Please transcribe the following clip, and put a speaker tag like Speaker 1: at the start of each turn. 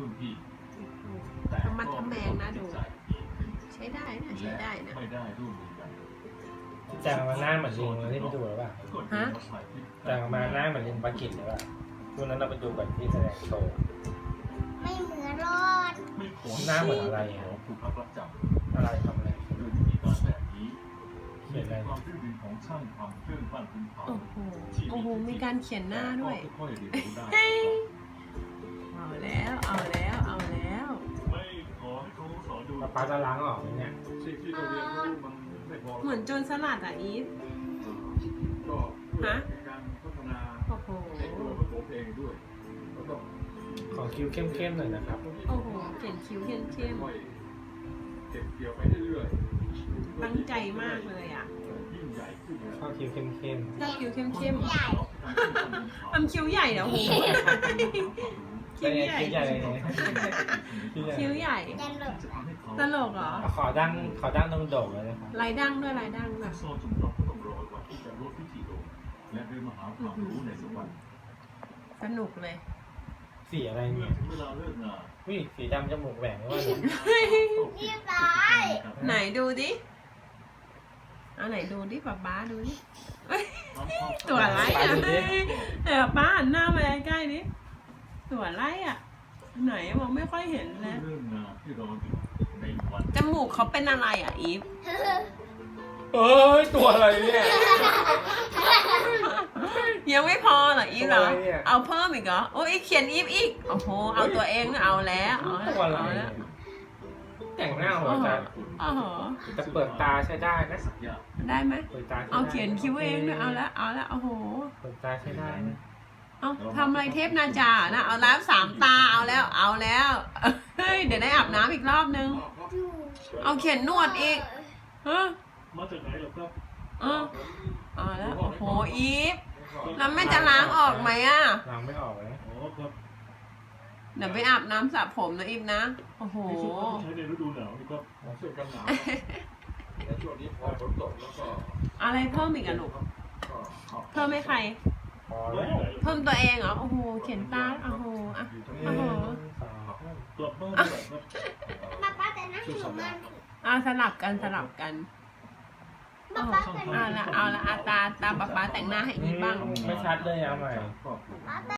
Speaker 1: รุ่นพี่
Speaker 2: ทำมันทำแมงนะดูใช้ได้นะใช้ได้นะ
Speaker 1: ไม่ได้ร่วมมือกัน
Speaker 3: แต่งมาหน้าเหมือนลิงเลยที่ไปดูหรือเปล่า
Speaker 2: ฮะ
Speaker 3: แต่งมาหน้าเหมือนลิงปากิจหรือเปล่าช่วงนั้นเราไปดูกันที่แสดงโชว์
Speaker 4: ไม่เหมือนรอด
Speaker 1: ไม่ขอ
Speaker 3: หน้าเหมือนอะไรอ่ะ
Speaker 1: ผู้พักรับจ
Speaker 3: อะไรทำอะไร
Speaker 1: ำโดยวิธีการแบบนี้
Speaker 3: เขียนอะไร
Speaker 1: ความรื่นรมของช่างทำเครื่องปั้นดินเผา
Speaker 2: โอ้โหโอ้โหมีการเขียนหน้าด้วย
Speaker 1: ก็ค่อยๆเรียนรู้ได้
Speaker 2: เอาแล้วเอาแล้วเอาแล้ว
Speaker 1: ไม่ขอให้เขาสอนดู
Speaker 3: ป้าจะล้างออกไหมเนี่ย
Speaker 1: สิ่งที่เราเรียนรู้มันไม่พอ
Speaker 2: เหมือนโจรสลัดอ่ะอีฟ
Speaker 1: ก็เพื่อการพัฒนา
Speaker 2: โอ้โห
Speaker 1: ในตัวของเองด้วยแล้วก็
Speaker 3: ขอคิ้วเข้มๆหน่อยนะครับ
Speaker 2: โอ้โหเขียนคิ้วเข้ม
Speaker 1: ค่อยๆเก็บเกี่ยวไปเรื่อยๆ
Speaker 2: ตั้งใจมากเลยอ่ะ
Speaker 1: ยิ่งใหญ่ขึ้นนะ
Speaker 3: ชอบคิ้วเข้ม
Speaker 2: ชอบคิ้วเข้ม
Speaker 4: ใหญ่
Speaker 2: ทำคิ้วใหญ่นะโอ้โห
Speaker 3: ๆเป็นไงคิ้วใหญ่เลยเนี่ยคิ้วใหญ่
Speaker 2: คิ้วใหญ่
Speaker 4: จะหลบ
Speaker 2: ตลกเหรอ
Speaker 3: ขอดั้งตรงโด่งเลยนะครับ
Speaker 2: ลายดั้งด้วยลายดั้งแบบ
Speaker 1: โซ่จุ่มดอกก็ต้องรอวันที่จะลดพิธีโดนและเดินมาหาความรู้ในสักวัน
Speaker 2: สนุกเลย
Speaker 3: สีอะไร
Speaker 1: เมื่อ
Speaker 3: เนี่ย
Speaker 1: ถึงเวลาเลิกงาน
Speaker 3: วิสีดำจมูกแหว่งหรือว่า
Speaker 4: เรียบร้อย
Speaker 2: ไหนดูดิเอาไหนดูดิป๊าป๊าดูดิตัวอะไรอ่ะเดี๋ยวป้าหันหน้ามาใกล้ๆดิตัวอะไรอ่ะไหนมองไม่ค่อยเห็นเลย
Speaker 1: เริ่มงานที่เราอยู่ในวัน
Speaker 2: จมูกเขาเป็นอะไรอ่ะอีฟ
Speaker 3: เอ้ยตัวอะไรเนี่ย
Speaker 2: ยังไม่พอเหรออีฟเหรอ
Speaker 3: ตัวอะไรเนี่ย
Speaker 2: เอาเพิ่มอีกเหรอโอ้ยเขียนอีฟอีกโอ้โหเอาตัวเองเอาแล้วเอาแล้ว
Speaker 3: ตัวอะไร
Speaker 2: เอา
Speaker 3: เนี่
Speaker 2: แล้
Speaker 3: ยว แต่งหน้าหัวใจ
Speaker 2: โอ้โห
Speaker 3: แต่เปิดตาใช้ได้นะ
Speaker 1: สักอย่าง
Speaker 2: ได้ไหม
Speaker 3: เปิดตาใช้ได้
Speaker 2: เอาเขียนคิ้วเองด้วยเอาแล้วเอาแล้วโอ้โห
Speaker 3: เปิดตาใช้ได้นะ
Speaker 2: เอาทำอะไรเทพนาจานะเอาแล้ว3 ตาเอาแล้วเอาแล้วเฮ้ยเดี๋ยวได้อาบน้ำอีกรอบนึง เอาเขียนนวดอีกเออ
Speaker 1: มาจากไหนเหรอครับ
Speaker 2: เออเอาแล้วโอ้โหอีฟแล้วแม่จะล้างออกไหมอ่ะ
Speaker 3: ล้างไม่ออกเลย
Speaker 1: อ๋อครับ
Speaker 2: เดี๋ยวไปอาบน้ำสระผมนะอีฟนะโอ้โห
Speaker 1: นี่ชุดที่ใช้ในฤดูหนาวนี่ครับเสื้อกันหนาวแต่ช่วงนี้พอฝนตกแล้วก็
Speaker 2: อะไรเพิ่มอีกอะลูก เพิ่มให้ใคร
Speaker 3: พอแล้ว
Speaker 2: เพิ่มตัวเองเหรอ โอ้โห เขียนตา โอ้โหอ่ะ
Speaker 3: หนึ่งสอง
Speaker 1: กลับบ้านดีกว่าครับ
Speaker 4: ป้าแต่นั่งอยู่มัน
Speaker 2: สลับกันสลับกัน
Speaker 4: ป้าแต่
Speaker 2: เอาละเอาละตาป๊าป๊าแต่งหน้าให้อีฟบ้าง
Speaker 3: ไม่ชัดเลยเอาใหม่
Speaker 1: ครอบครัว
Speaker 4: ป้า